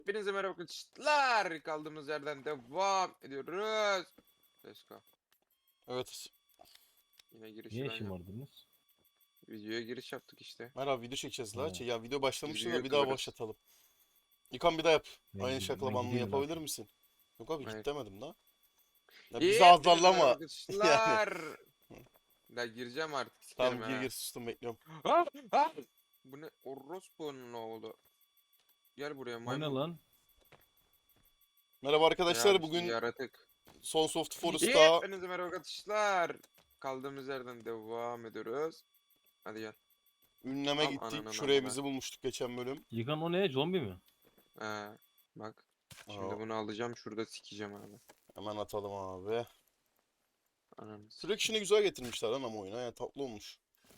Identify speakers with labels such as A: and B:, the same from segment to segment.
A: Hepinize merhaba arkadaşlar. Kaldığımız yerden devam ediyoruz. Let's go.
B: Evet.
A: Yine girişi
C: Niye
A: ben yaptım.
C: şımardınız?
A: Videoya giriş yaptık işte.
B: Merhaba, video çekeceğiz la.
C: Ha.
B: Ya video
A: Biz
B: başlamıştı da
A: videoya
B: bir daha
A: kıvırız.
B: başlatalım. İlkan bir daha yap.
C: Ben,
B: Aynı
C: ben
B: şaklabanlığı
C: gideyim
B: yapabilir
C: zaten.
B: misin? Yok abi,
A: Evet.
B: git demedim la. Ya bizi
A: Hepinize merhaba
B: azarlama. Yani.
A: arkadaşlar. Ya gireceğim artık sikerim
B: Tamam, gir
A: ha.
B: gir, sustum, bekliyorum.
A: Ah, ah! Bu ne? Orospu'nun oğlu. Gel buraya
C: O ne
A: maymun.
C: lan?
B: Merhaba
A: Ya
B: arkadaşlar,
A: işte
B: bugün
A: yaratık.
B: Sons of the Forest'ta
A: Hepinize merhaba arkadaşlar. Kaldığımız yerden devam ediyoruz. Hadi gel.
B: ünleme
A: Al
B: gittik.
A: ananın
B: Şuraya
A: amına.
B: bizi bulmuştuk geçen bölüm.
C: Yıkan o ne? Zombi mi?
A: Bak.
B: Aa,
A: Şimdi bunu alacağım şurada sikeceğim abi.
B: hemen atalım abi.
A: Ananı sikeyim.
B: Selection'ı güzel getirmişler lan ama oyuna. Yani tatlı olmuş.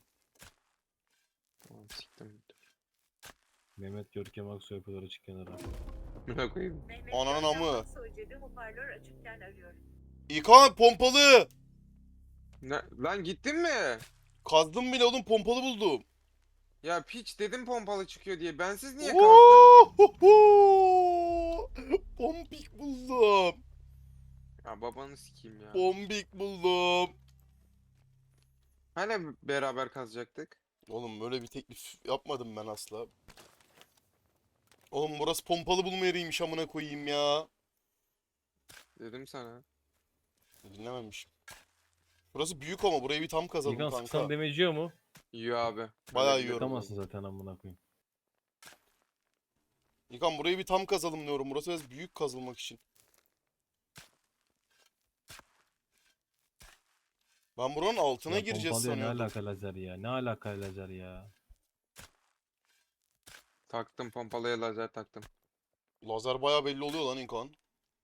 A: Tamam siktim.
C: Mehmet Görkem Aksoy yapıyorlar açık kenara.
A: Buna koyayım.
B: Ananın amı.
D: Soycebi hoparlör açıkken arıyor.
B: İlkan, pompalı!
A: Ne? Lan gittin mi?
B: Kazdım bile oğlum, pompalı buldum.
A: Ya piç dedim pompalı çıkıyor diye. Bensiz niye kazdın?
B: Ohoho! Pompik buldum.
A: Ya babanı sikeyim ya.
B: Bombik buldum.
A: Hani beraber kazacaktık?
B: Oğlum böyle bir teklif yapmadım ben asla. Oğlum burası pompalı bulma yeriymiş, amına koyayım ya.
A: Dedim sana.
B: Dinlememişim. Burası büyük ama burayı bir tam kazalım
C: Yıkan
B: kanka.
C: sıksan demeciyor mu?
A: Yiyor abi.
B: Bayağı
A: Öyle
B: yiyorum.
C: Sıkamazsın zaten amına koyayım.
B: İlkan, burayı bir tam kazalım diyorum. Burası biraz büyük kazılmak için. Ben buranın altına
C: Ya
B: gireceğiz
C: pompalıya ne
B: sanıyordum.
C: alaka lazer ya? Ne alaka lazer ya?
A: Taktım pompalıya lazer taktım.
B: Lazer bayağı belli oluyor lan İlkan.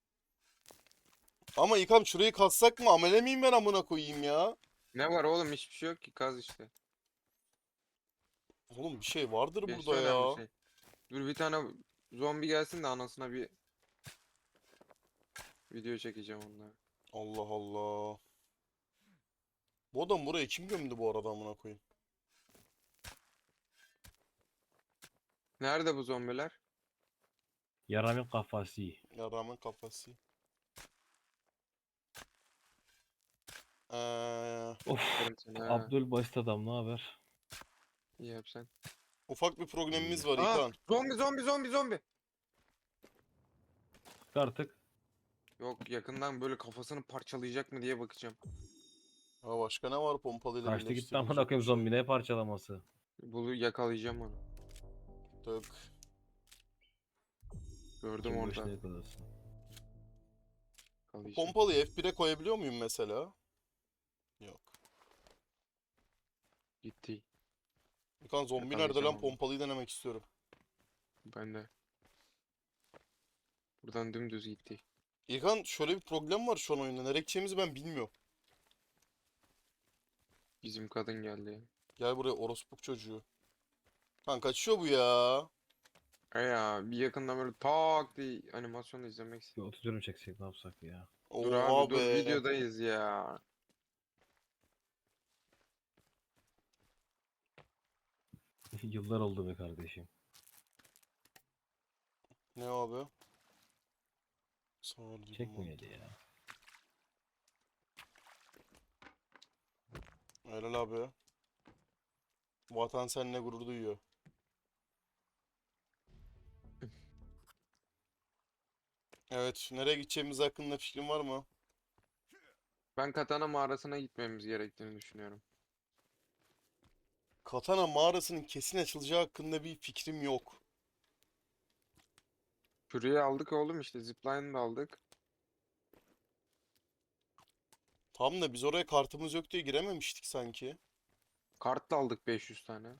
B: Ama İlkan, şurayı kazsak mı? Amele miyim ben, amına koyayım ya?
A: Ne var oğlum hiçbir şey yok ki kaz işte.
B: Oğlum bir şey vardır
A: Geçti
B: burada
A: önemli
B: ya.
A: şey. Dur bir tane zombi gelsin de anasına bir video çekeceğim onunla.
B: Allah Allah. Bu adam buraya kim gömdü bu arada, amına koyayım?
A: Nerede bu zombiler?
C: Yaramın kafası.
B: Ya rağmen kafası.
C: Of.
A: Derim sana. ha.
C: Abdül Basit adam ne haber?
A: İyi yap sen.
B: Ufak bir problemimiz var
A: Aa,
B: İlkan.
A: zombi.
C: Sık artık.
A: Yok yakından böyle kafasını parçalayacak mı diye bakacağım.
B: Ha, başka ne var pompalıyla
C: Kaçtı gitti amına
B: birleştirilecek bir
C: koyayım
B: şey?
C: zombi ne parçalaması?
A: Bunu yakalayacağım onu.
B: Tık.
A: Gördüm
C: Kim
A: orada.
C: başına yakalasın.
A: Yakalayacağım.
B: Pompalıyı F1'e koyabiliyor muyum mesela? Yok.
A: Gitti.
B: İlkan, zombi nerede
A: Yakalayacağım
B: lan?
A: onu.
B: Pompalıyı denemek istiyorum.
A: Ben de. Buradan dümdüz gitti.
B: İlkan, şöyle bir problem var şu an oyunda. Nereye gideceğimizi ben bilmiyorum.
A: Bizim kadın geldi.
B: Gel buraya orospuk çocuğu. Kan kaçıyor bu ya.
A: Ya bir yakından böyle tak diye animasyonu izlemek
C: Bir
A: istedim.
C: 30 dönüm çeksek ne yapsak ya?
A: Dur
B: Oha
A: abi dur
B: be.
A: videodayız ya.
C: Yıllar oldu be kardeşim.
B: Ne abi? Sağ dedim
C: Çekmeyeli ya.
B: Helal abi. Vatan seninle gurur duyuyor. Evet, nereye gideceğimiz hakkında fikrin var mı?
A: Ben Katana mağarasına gitmemiz gerektiğini düşünüyorum.
B: Katana mağarasının kesin açılacağı hakkında bir fikrim yok.
A: Şurayı aldık oğlum işte zipline'ı da aldık.
B: Tam da biz oraya kartımız yok diye girememiştik sanki.
A: Kart da aldık 500 tane.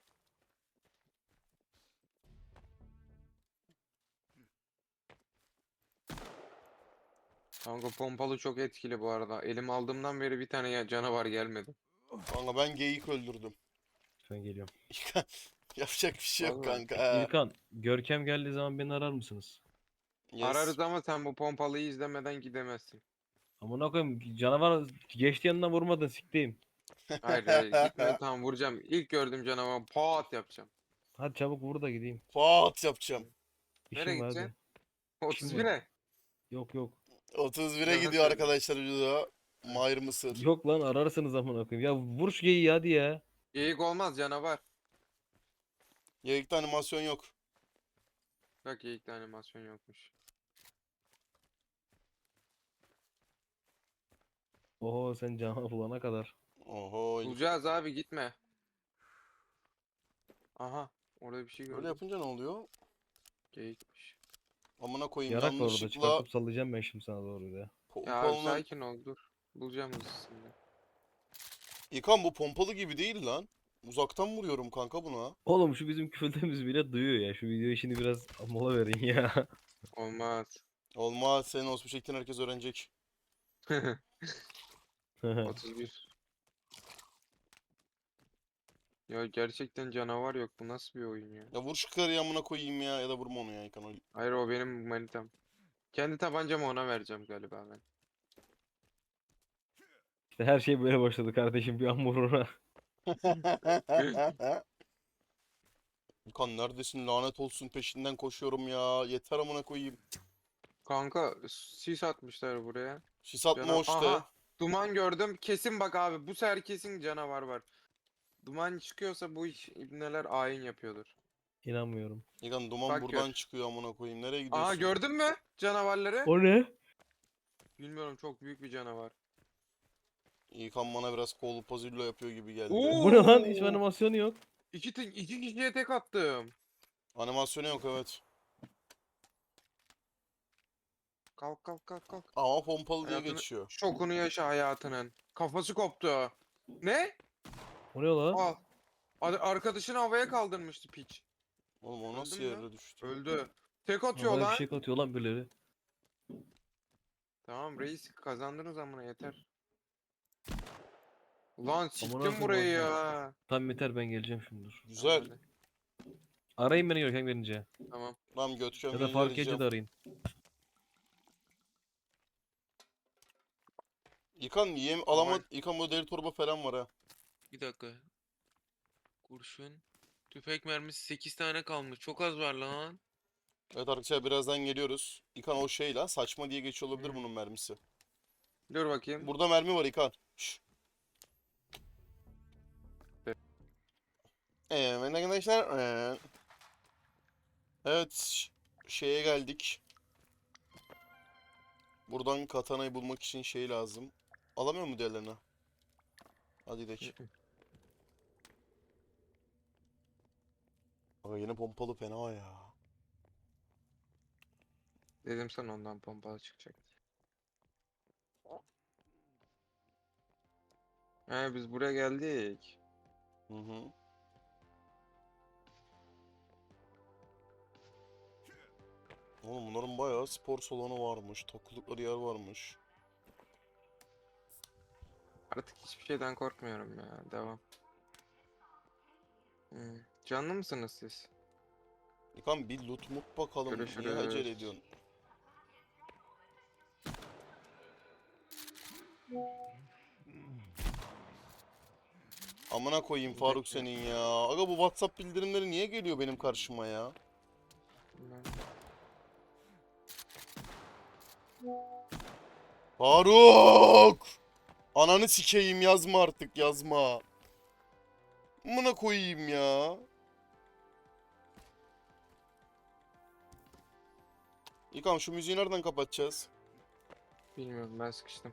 A: Kanka pompalı çok etkili bu arada. Elim aldığımdan beri bir tane canavar gelmedi.
B: Kanka ben geyik öldürdüm.
C: Ben geliyorum.
B: Yapacak bir şey yok
A: Vallahi.
B: kanka.
C: İlkan, Görkem geldiği zaman beni arar mısınız?
B: Yes.
A: Ararız ama sen bu pompalıyı izlemeden gidemezsin.
C: Amına koyayım canavar geçti yanından vurmadın sikteyim.
A: Hayır hayır gitme tamam vuracağım. İlk gördüğüm canavar pat yapacağım.
C: Hadi çabuk vur da gideyim.
B: Pat yapacağım.
C: İşim
A: Nereye
C: var hadi.
A: gideceksin?
C: İşim var.
A: 31'e.
C: Yok yok.
B: 31'e
A: Yalan
B: gidiyor
A: söylüyorum.
B: arkadaşlar video. Mahir Mısır.
C: Yok lan ararsınız amına koyayım. Ya vur şu geyiği hadi ya.
A: Geyik olmaz canavar.
B: Yayıkta animasyon yok.
A: Bak geyikte animasyon yokmuş.
C: Oho sen canavar bulana kadar.
B: Oho.
A: Bulacağız abi gitme. Aha. Orada bir şey
B: Böyle
A: gördüm.
B: yapınca ne oluyor?
A: Geyikmiş.
B: Amına koyayım
C: Yarak var orada
B: yanlışlıkla
C: çıkartıp sallayacağım ben şimdi sana doğru ya.
A: Ya abi
B: pompalının...
A: sakin ol dur. Bulacağım hızlısını.
B: İlkan bu pompalı gibi değil lan. Uzaktan vuruyorum kanka buna.
C: Oğlum şu bizim küfürlerimizi bile duyuyor ya. Şu video işini biraz mola verin ya.
A: Olmaz.
B: Olmaz senin olsun şeklini herkes öğrenecek.
A: 31. Ya gerçekten canavar yok. Bu nasıl bir oyun ya?
B: Ya vur şu karıyı amına koyayım ya da vurma onu ya İlkan.
A: Hayır o benim manitam. Kendi tabancamı ona vereceğim galiba ben.
C: İşte her şey böyle başladı kardeşim bir an vuruna.
B: İlkan neredesin lanet olsun peşinden koşuyorum ya. Yeter amına koyayım.
A: Kanka sis atmışlar buraya.
B: Sis atma
A: Cana
B: o işte.
A: Aha. Duman gördüm. Kesin bak abi. Bu sefer kesin canavar var. Duman çıkıyorsa bu iş ibneler ayin yapıyordur.
C: İnanmıyorum.
B: İlkan duman
A: Bak
B: buradan
A: gör.
B: çıkıyor amına koyayım. Nereye gidiyorsun?
A: Aha gördün mü canavarları?
C: O ne?
A: Bilmiyorum çok büyük bir canavar.
B: İlkan bana biraz kol pozillo yapıyor gibi geldi.
C: Bu ne lan? Hiç
A: Oo!
C: animasyonu yok.
A: İki kişiye tek attım.
B: Animasyonu yok evet.
A: Kalk kalk kalk kalk.
B: Ama pompalı diye
A: Hayatını,
B: geçiyor.
A: şokunu yaşa hayatının. Kafası koptu. Ne?
C: O ne la?
A: Al. Arkadaşını havaya kaldırmıştı piç.
B: Oğlum o nasıl
A: Öldün mü?
B: yere düştü?
A: Öldü. Tek atıyor
C: Havaya bir
A: lan.
C: şey atıyor lan birileri.
A: Tamam reis kazandınız amına yeter. Ulan
C: Amına
A: siktim
C: koyayım
A: burayı
C: abi.
A: ya.
C: Tamam yeter ben geleceğim şimdi dur.
B: Güzel.
A: Tamam,
C: Arayın beni Görkem gelince.
A: tamam.
B: Tamam götüreceğim
C: Ya da
B: gelince
C: Faruk
B: arayacağım.
C: Gece de arayın.
B: İlkan yem alama İlkan bu deri torba falan var ha.
A: Bir dakika. Kurşun. Tüfek mermisi 8 tane kalmış. Çok az var lan.
B: Evet arkadaşlar birazdan geliyoruz. İlkan o şey lan saçma diye geçiyor olabilir
A: Hmm.
B: bunun mermisi.
A: Dur bakayım.
B: Burada mermi var İlkan. Şşş. Evet arkadaşlar. Evet şeye geldik. Buradan katanayı bulmak için şey lazım. Alamıyor mu diğerlerine? Hadi gidelim. Aga yine pompalı fena ya.
A: Dedim sana ondan pompalı çıkacak. He biz buraya geldik.
B: Hı hı. Oğlum bunların bayağı spor salonu varmış. Takıldıkları yer varmış.
A: Artık hiçbir şeyden korkmuyorum ya. Devam. Canlı mısınız siz?
B: İlkan bir loot mut bakalım. Niye
A: Görüşürüz.
B: acele ediyorsun? Amına koyayım Faruk senin ya. Aga bu WhatsApp bildirimleri niye geliyor benim karşıma ya? Faruk! Ananı sikeyim yazma artık yazma. Amına koyayım ya. İlkan şu müziği nereden kapatacağız?
A: Bilmiyorum ben sıkıştım.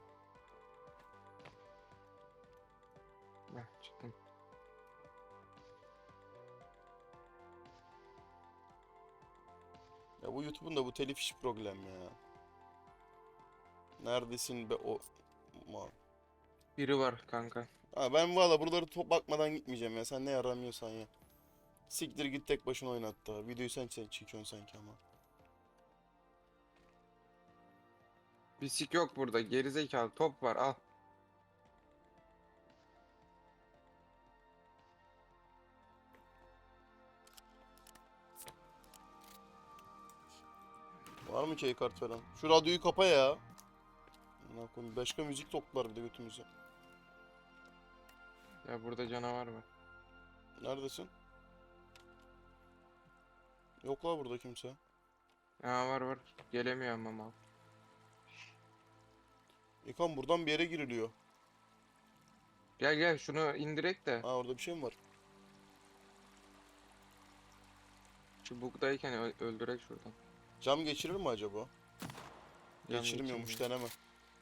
A: Heh, çıktım.
B: Ya bu YouTube'un da bu telif iş problem ya. Neredesin be o...
A: Biri var kanka.
B: Ha ben valla buraları top bakmadan gitmeyeceğim ya. Sen ne yaramıyorsan ya. Siktir git tek başına oynat da. Videoyu sen çekiyorsun sanki ama.
A: Bisik yok burada. Gerizekalı top var al.
B: Var mı key kart falan? Şu radyoyu kapa ya. Amına koyayım, başka müzik toplar bir de götümüze.
A: Ya burada canavar var.
B: Neredesin? Yok la burada kimse.
A: Ha var var. Gelemiyorum ama.
B: İlkan buradan bir yere giriliyor.
A: Gel gel şunu indirek de.
B: Ha orada bir şey mi var?
A: Şu bug'dayken öldürek şuradan.
B: Cam geçirir mi acaba?
A: Cam
B: Geçirmiyormuş,
A: geçirmiyor.
B: deneme.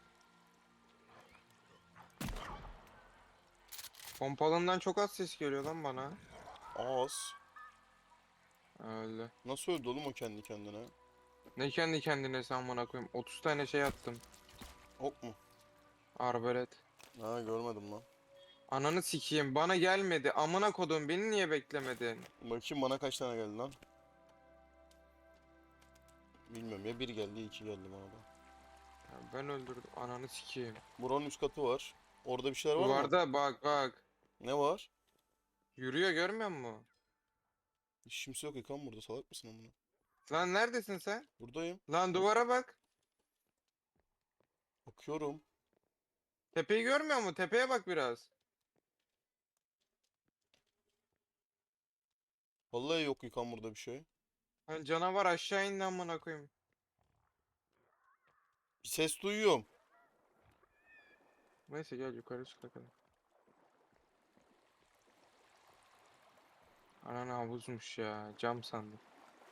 A: Pompalından çok az ses geliyor lan bana.
B: Az.
A: Öyle.
B: Nasıl öldü oğlum o kendi kendine?
A: Ne kendi kendine sen bana koyayım. 30 tane şey attım.
B: Ok mu?
A: Arbalet.
B: Ha görmedim lan.
A: Ananı sikeyim bana gelmedi. Amına kodum beni niye beklemedin?
B: Bakayım bana kaç tane geldi lan? Bilmiyorum ya, bir geldi ya iki geldi bana da.
A: Ya ben öldürdüm ananı sikeyim.
B: Buranın üst katı var. Orada bir şeyler var mı?
A: Duvarda bak bak.
B: Ne var?
A: Yürüyor görmüyor musun?
B: Hiç kimse yok İlkan burada, salak mısın amına?
A: Lan neredesin sen?
B: Buradayım.
A: Lan duvara bak.
B: Bakıyorum.
A: Tepeyi görmüyor musun? Tepeye bak biraz.
B: Vallahi yok İlkan burada bir şey.
A: Lan canavar aşağı indi amına koyayım.
B: Bir ses duyuyorum.
A: Neyse gel yukarı çık bakalım. Ananı havuzmuş ya. Cam sandım.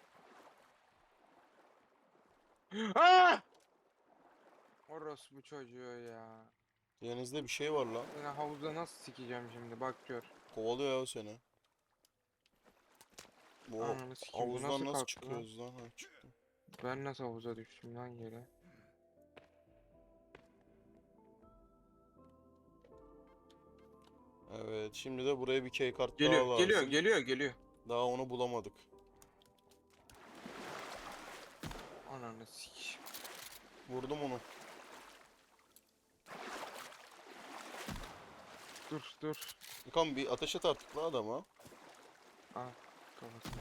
A: Aa! Orospu çocuğu ya.
B: Denizde bir şey var lan.
A: Yine havuzda nasıl sikeceğim şimdi bak gör.
B: Kovalıyor ya o seni. Bu
A: Ananı sikeyim bu
B: havuzdan
A: nasıl
B: nasıl
A: kalktı lan?
B: çıkıyoruz lan? Ha çıktı.
A: Ben nasıl havuza düştüm lan yere?
B: Evet, şimdi de buraya bir key kart daha
A: Geliyor
B: lazım.
A: geliyor geliyor geliyor.
B: Daha onu bulamadık.
A: Ananı sikeyim.
B: Vurdum onu.
A: Dur dur.
B: İlkan bir ateş et artık lan adama.
A: Ah kafasına.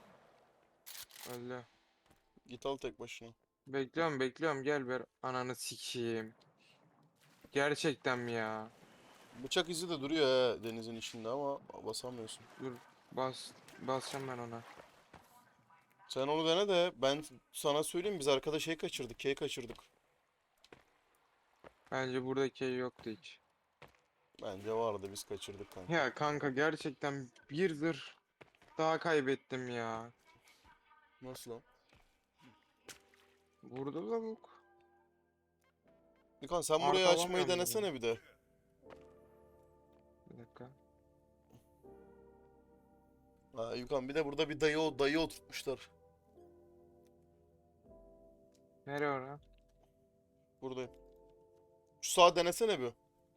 A: Öyle.
B: Git al tek başına.
A: Bekliyorum bekliyorum gel ver. Ananı sikeyim. Gerçekten mi ya?
B: Bıçak izi de duruyor he denizin içinde ama basamıyorsun.
A: Dur basacağım ben ona.
B: Sen onu dene de ben sana söyleyeyim, biz arkada şey kaçırdık, key kaçırdık.
A: Bence buradaki yoktu hiç.
B: Bence vardı, biz kaçırdık kanka.
A: Ya kanka gerçekten bir zırh daha kaybettim ya.
B: Nasıl lan?
A: Burada lavuk.
B: İlkan sen
A: Arka
B: burayı açmayı
A: alamıyorum
B: denesene bir de.
A: Bir dakika.
B: Ha İlkan, bir de burada bir dayı oturtmuşlar.
A: Nereye ora?
B: Buradayım. Şu sağa denesene bir.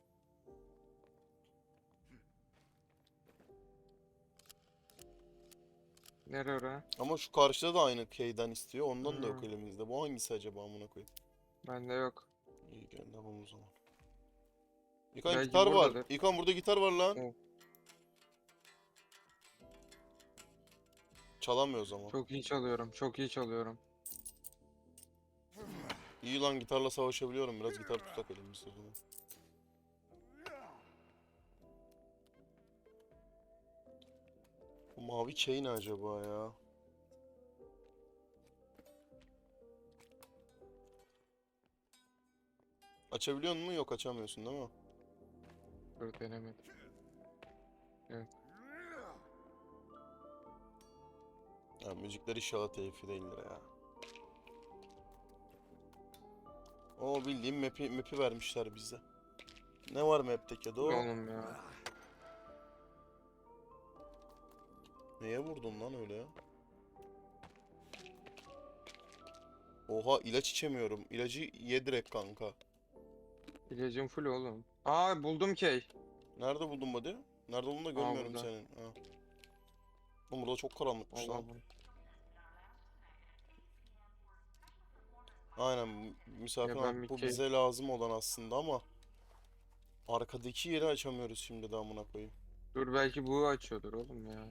A: Nereye ora?
B: Ama şu karşıda da aynı keyden istiyor. Ondan da yok
A: Hmm.
B: elimizde. Bu hangisi acaba amına koyayım?
A: Bende yok.
B: İyi gel tamam o zaman. İlkan
A: Belki
B: gitar var.
A: buradadır.
B: İlkan burada gitar var lan.
A: Oh.
B: Çalamıyoruz ama.
A: Çok iyi çalıyorum. Çok iyi çalıyorum.
B: İyi lan, gitarla savaşabiliyorum. Biraz gitar tutak elimizde o zaman. Bu mavi key ne acaba ya? Açabiliyor musun? Yok, açamıyorsun değil mi?
A: Dur denemedim.
B: Ya müzikler inşallah telifli değildir ya. O bildiğim map'i vermişler bize. Ne var map'teki de o?
A: Oğlum ya.
B: Neye vurdun lan öyle ya? Oha, ilaç içemiyorum. İlacı ye direkt kanka.
A: İlacım full oğlum. Aa buldum key.
B: Nerede buldun buddy? Nerede olduğunu da görmüyorum
A: burada.
B: senin. Ha. Oğlum burada çok karanlıkmış lan.
A: Allah'ım.
B: Aynen, misafir
A: Ya ben
B: abi,
A: bir
B: bu
A: key-
B: bize lazım olan aslında ama arkadaki yeri açamıyoruz şimdi de amına koyayım.
A: Dur belki bu açıyordur oğlum ya.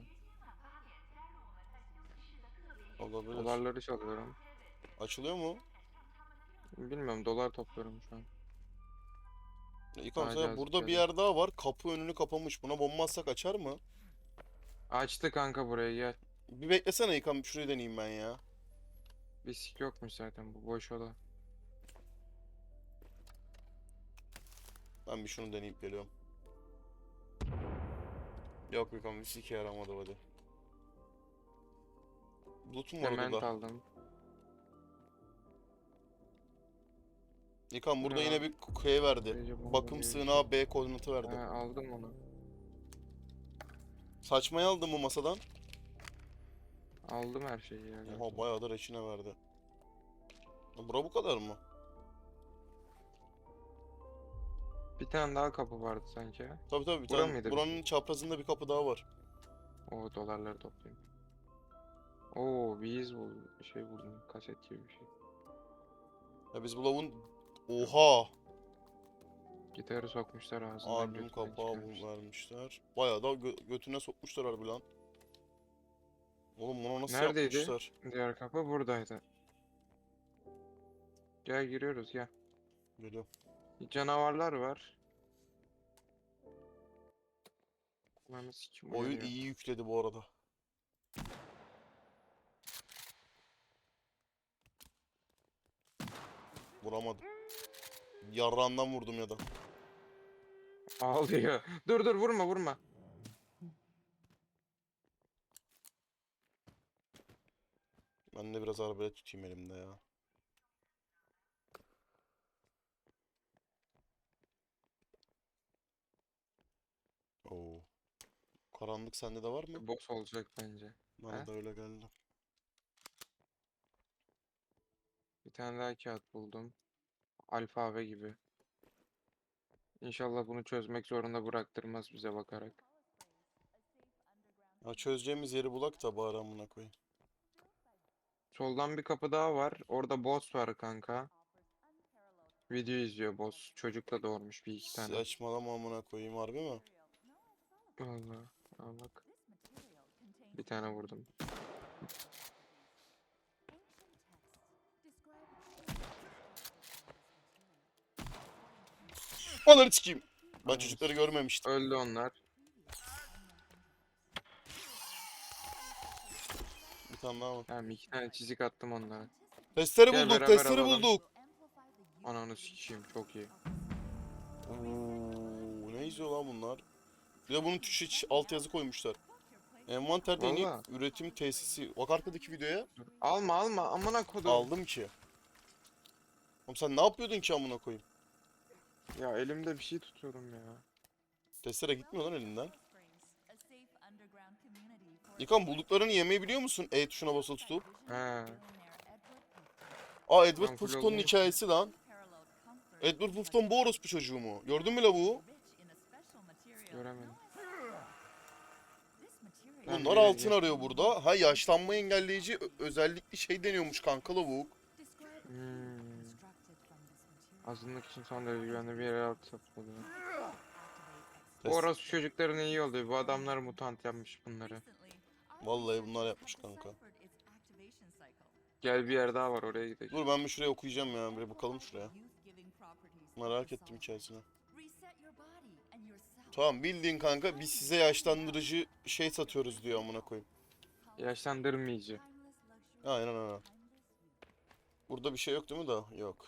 B: Olabilir.
A: Dolarları çalıyorum.
B: Açılıyor mu?
A: Bilmiyorum dolar topluyorum şu an.
B: İlkan
A: Daha
B: mesela
A: cazip
B: burada bir
A: geldi.
B: yer daha var. Kapı önünü kapamış. Buna bomba atsak açar mı?
A: Açtı kanka buraya gel.
B: Bir beklesene İlkan, şurayı deneyeyim ben ya.
A: Bir sik yokmuş zaten, bu boş oda.
B: Ben bir şunu deneyip geliyorum. Yok yok ama bir sike yaramadı hadi. Loot'um var
A: Sement
B: burada.
A: aldım.
B: Nikan burada
A: Ne
B: yine
A: lan?
B: bir şey verdi.
A: Gece bomba
B: Bakım
A: gibi bir
B: sığınağı
A: şey.
B: B koordinatı verdi.
A: Ha, aldım onu.
B: Saçmayı aldın mı masadan?
A: Aldım her şeyi ya.
B: Oha bayağı da reçine verdi. Bura bu kadar mı?
A: Bir tane daha kapı vardı sanki.
B: Tabii tabii bir
A: Bura
B: tane.
A: mıydı?
B: Buranın çaprazında bir kapı daha var.
A: O dolarları toplayayım. Oo, şey buldum. Kaset gibi bir şey.
B: Ya biz bu lavun... Oha!
A: Gitarı sokmuşlar ağzından,
B: Albüm
A: götünden
B: kapağı
A: çıkarmışlar.
B: vermişler. Bayağı da götüne sokmuşlar harbi lan. Oğlum bunu nasıl
A: Neredeydi?
B: yapmışlar?
A: Diğer kapı buradaydı. Gel giriyoruz gel.
B: Geliyorum.
A: Canavarlar var. Lan sikim
B: Oyun
A: uyanıyor.
B: iyi yükledi bu arada. Vuramadım. Yarrağından vurdum ya da.
A: Ağlıyor. Dur dur, vurma vurma.
B: Ben de biraz arbalet tutayım elimde ya. Oo. Karanlık sende de var mı?
A: Boss olacak bence.
B: Bana
A: He?
B: da öyle geldi.
A: Bir tane daha kağıt buldum. Alfabe gibi. İnşallah bunu çözmek zorunda bıraktırmaz bize bakarak.
B: Ya çözeceğimiz yeri bulak da bari amına koyayım.
A: Soldan bir kapı daha var. Orada boss var kanka. Video izliyor boss. Çocuk da doğurmuş bir iki tane.
B: Saçmalama amına koyayım harbi mi?
A: Vallahi. Al bak. Bir tane vurdum.
B: Onları sikeyim. Ben
A: Ananı
B: çocukları görmemiştim.
A: Öldü onlar.
B: Bir tane daha var.
A: Tamam, iki tane çizik attım onlara.
B: Testere
A: Gel
B: bulduk,
A: beraber
B: testere
A: alalım.
B: bulduk.
A: Ananı sikeyim, çok iyi.
B: Oo, ne izliyor lan bunlar? Bir de bunun tuşu altyazı koymuşlar. Envanterde yeni
A: Valla.
B: üretim tesisi. Bak arkadaki videoya.
A: Alma alma, amına kodum.
B: Aldım ki. Oğlum sen ne yapıyordun ki amına koyayım?
A: Ya elimde bir şey tutuyorum ya.
B: Testere gitmiyor lan elinden. İlkan bulduklarını yemeyi biliyor musun? E tuşuna basılı tutup.
A: He.
B: Aa Edward
A: Ben full
B: Puffton'un
A: oldum.
B: hikayesi lan. Edward Puffton bu orospu çocuğu mu? Gördün mü lavuğu?
A: Göremedim. Ben
B: Bunlar
A: bir
B: altın
A: ya-
B: arıyor burada. Ha yaşlanma engelleyici özellikli şey deniyormuş kanka lavuk.
A: Hmm. Azınlık için son derece güvenli bir yere altı satıldı. Bu orası çocukların iyi oluyor. Bu adamlar mutant yapmış bunları.
B: Vallahi bunlar yapmış kanka.
A: Gel, bir yer daha var, oraya gidelim.
B: Dur ben bir şuraya okuyacağım ya. Bir bakalım şuraya. Merak ettim hikayesini. Tamam bildiğin kanka biz size yaşlandırıcı şey satıyoruz diyor amına koyayım.
A: Yaşlandırmayıcı.
B: Aynen aynen. Burada bir şey yok değil mi da? Yok.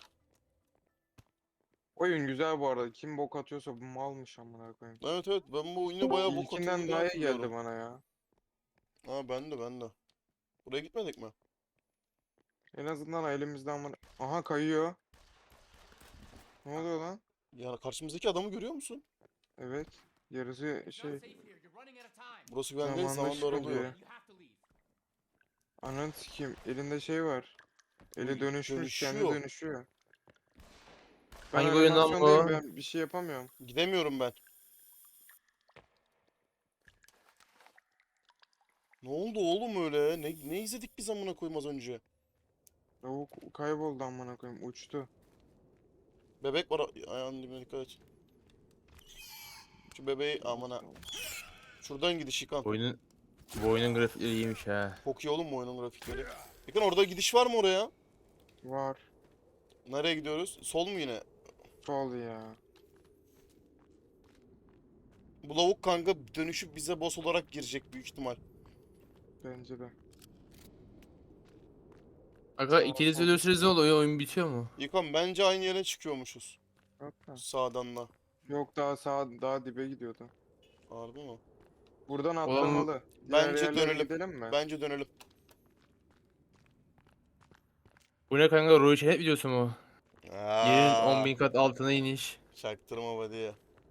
A: Oyun güzel bu arada. Kim bok atıyorsa bu malmış amına koyayım.
B: Evet evet ben bu oyunu bayağı bok
A: İlkinden
B: atıldığını
A: daha iyi
B: hatırlıyorum.
A: geldi bana ya.
B: Ha ben de. Buraya gitmedik mi?
A: En azından elimizden bana... Aha, kayıyor. Ne oluyor lan?
B: Ya karşımızdaki adamı görüyor musun?
A: Evet. Yarısı şey...
B: Burası güvenli değil,
A: Zamanla
B: zaman daralıyor.
A: oluyor. Ananı sikeyim. Elinde şey var. Eli
B: Uy,
A: dönüşmüş. Kendi
B: dönüşüyor.
A: dönüşüyor. Ben
C: Hangi oyun lan
A: animasyondayım,
C: bu?
A: ben bir şey yapamıyorum.
B: Gidemiyorum ben. Ne oldu oğlum öyle? Ne izledik biz amına koyayım az önce?
A: Lavuk kayboldu amına koyayım. Uçtu.
B: Bebek var ayağının dibine dikkat et. Şu bebeği amına. Şuradan gidiş yıkan.
C: Bu oyunun grafikleri iyiymiş ha.
B: Çok iyi oğlum bu oyunun grafikleri. Yıkan orada gidiş var mı oraya?
A: Var.
B: Nereye gidiyoruz? Sol mu yine?
A: Sol ya.
B: Bu lavuk kanka dönüşüp bize boss olarak girecek büyük ihtimal.
A: Bence de.
E: Aga ikiniz ölürsünüz ne oluyor? Oyun bitiyor mu?
B: İlkan bence aynı yere çıkıyormuşuz.
A: Yok da.
B: Sağdan da.
A: Yok daha sağ daha dibe gidiyordu.
B: Harbi mi?
A: Buradan
E: Oğlum,
A: atlamalı. Diğer
B: Bence
A: yerlere
B: dönelim.
A: gidelim mi?
B: Bence dönelim.
E: Bu ne kanka? Ruhi Çenet videosu mu? Yerin
B: Aa,
E: 10.000 kat altına iniş.
B: çaktırma hadi.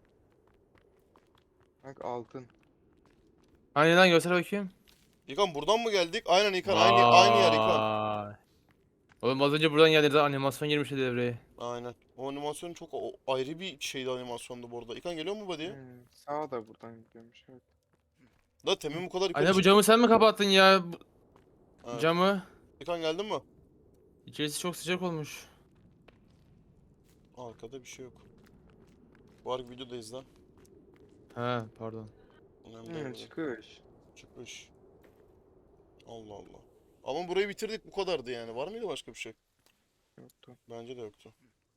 A: Bak altın.
E: Hani lan göster bakayım.
B: İlkan buradan mı geldik? Aynen İlkan aynı yer İlkan.
E: Vay. Oğlum az önce buradan geldiğinizde animasyon girmişti devreye.
B: Aynen. O animasyon çok ayrı bir şeydi animasyondu bu arada. İlkan geliyor mu body'ye?
A: Sağa da buradan gidiyormuş. Evet.
B: Da temin bu kadar yukarı
E: Anne bu
B: çık.
E: camı sen mi kapattın ya?
B: Evet.
E: Camı.
B: İlkan geldin mi?
E: İçerisi çok sıcak olmuş.
B: Arkada bir şey yok. Var videodayız lan.
E: Ha pardon.
B: Önemli değil.
A: Çıkış.
B: Çıkmış. Allah Allah. Ama burayı bitirdik bu kadardı yani. Var mıydı başka bir şey?
A: Yoktu.
B: Bence de yoktu.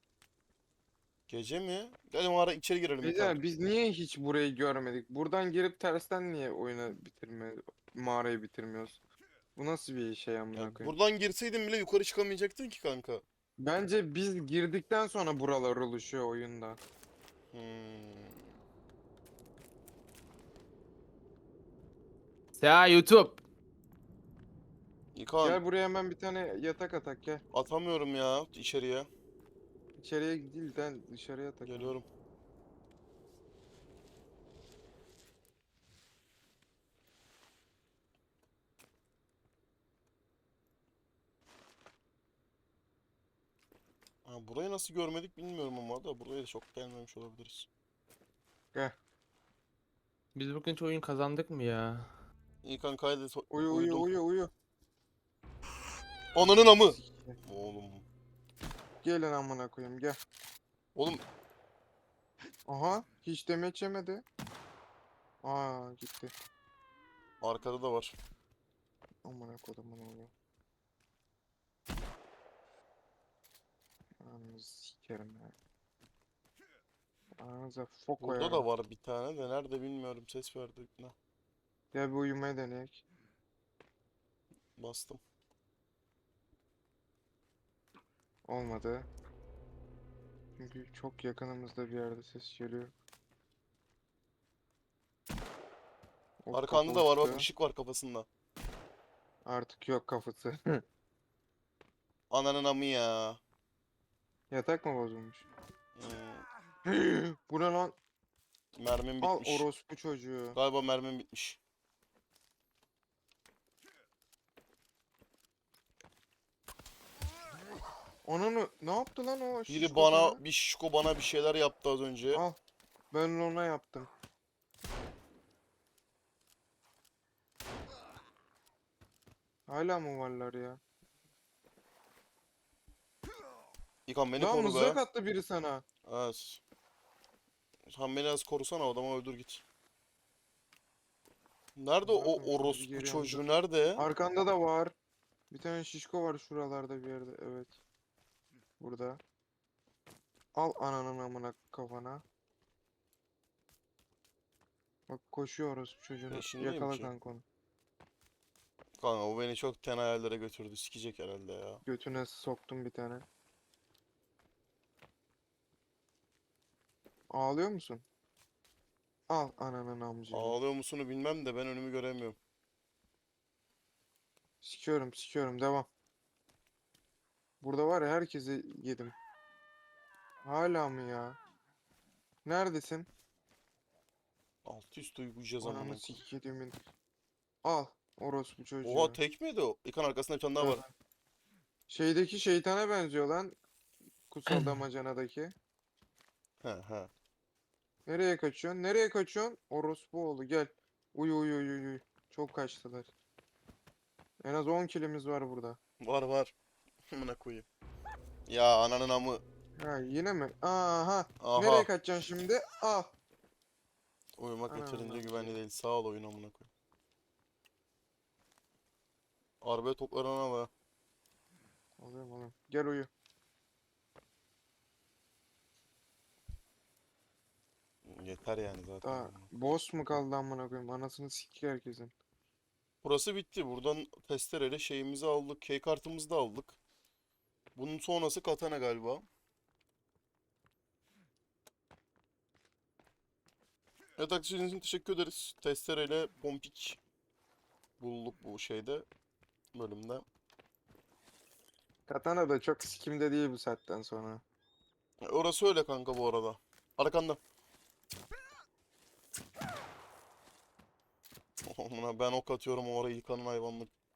B: Gece mi? Gel mağara içeri girelim. İlkan.
A: Güzel. Biz niye hiç burayı görmedik? Buradan girip tersten niye mağarayı bitirmiyoruz? Bu nasıl bir şey amına
B: Ya
A: koyayım?
B: buradan girseydin bile yukarı çıkamayacaktın ki kanka.
A: Bence biz girdikten sonra buralar oluşuyor oyunda.
B: Hmm.
E: Ya YouTube.
B: İlkan
A: Gel buraya hemen bir tane yatak atak gel.
B: atamıyorum ya içeriye.
A: İçeriye değil de dışarıya atak.
B: Geliyorum. Ha, burayı nasıl görmedik bilmiyorum ama da buraya da çok gelmemiş olabiliriz.
A: Gel.
E: Biz bugün hiç oyun kazandık mı ya?
B: İlkan kaydet
A: Uyu uyu
B: uyudum.
A: uyu uyu.
B: Ananın amı. Oğlum.
A: Gelin amına koyayım gel.
B: Oğlum
A: Aha hiç demeç yemedi. Aa gitti.
B: arkada da var.
A: Amına kodumun oğlu. Ananı sikerim ya. Ananıza fok
B: Burada
A: koyarım.
B: da var bir tane de nerede bilmiyorum ses verdi. Ne?
A: Gel bir uyumaya deneyek.
B: Bastım.
A: Olmadı. Çünkü çok yakınımızda bir yerde ses geliyor. O
B: Arkanda
A: kapı
B: da var bak
A: uçtu.
B: ışık var kafasında.
A: Artık yok kafası.
B: Ananın amı ya.
A: Yatak mı bozulmuş?
B: Hmm,
A: Bu ne lan?
B: mermim
A: Al
B: bitmiş.
A: orospu çocuğu.
B: Galiba mermim bitmiş.
A: Onu ne yaptı lan o
B: Biri
A: şişko sana?
B: bana bir şişko bana bir şeyler yaptı az önce.
A: Al. Ben ona yaptım. Hala mı varlar ya?
B: İlkan beni
A: Lan
B: koru
A: mızrak
B: be.
A: attı biri sana.
B: Evet. Sen beni az korusana adamı öldür git. Nerede
A: Zaten
B: o
A: şimdi
B: orospu
A: geliyorum,
B: çocuğu
A: dur.
B: nerede?
A: Arkanda da var. Bir tane şişko var şuralarda bir yerde. Evet. Burada. Al ananın amına kafana. Bak koşuyor orospu çocuğunu.
B: Peşindeyim
A: Yakala
B: ki.
A: kanka onu.
B: Kanka o beni çok ten hayallere götürdü. Sikecek herhalde ya.
A: Götüne soktum bir tane. Ağlıyor musun? Al ananın amcını.
B: Ağlıyor musunu bilmem de ben önümü göremiyorum.
A: Sikiyorum devam. Burada var ya herkesi yedim. Hala mı ya? Neredesin?
B: Alt üst uyuyacağız
A: Ananı
B: amına.
A: sikiyedimin. Al orospu çocuğu.
B: Oha tek miydi o? İlkan arkasında bir tane daha var.
A: Şeydeki şeytana benziyor lan. Kutsal damacanadaki.
B: He he.
A: Nereye kaçıyorsun? Nereye kaçıyorsun? Orospu oğlu gel. Uyu uyu uyu uyu. Çok kaçtılar. En az 10 kilimiz var burada.
B: Var var. Amına koyayım. Ya ananın amı.
A: Ha yine mi? Aha.
B: Aha.
A: Nereye kaçacaksın şimdi? Al.
B: Uyumak
A: Ananı
B: yeterince
A: amcı.
B: güvenli değil. Sağ ol oyun amına koyayım. Arabaya toplarına bak.
A: Alıyorum. Gel uyu.
B: Yeter yani zaten.
A: Daha boss mu kaldı amına koyayım? Anasını sikik herkesin.
B: Burası bitti. Buradan testereyle şeyimizi aldık. Key kartımızı da aldık. Bunun sonrası katana galiba. Evet arkadaşlar için teşekkür ederiz. Testereyle pompik bulduk bu şeyde. Bölümde.
A: Katana da çok sikimde değil bu saatten sonra.
B: Orası öyle kanka bu arada. Arkanda. Amına ben ok atıyorum orayı yıkanın hayvanlık.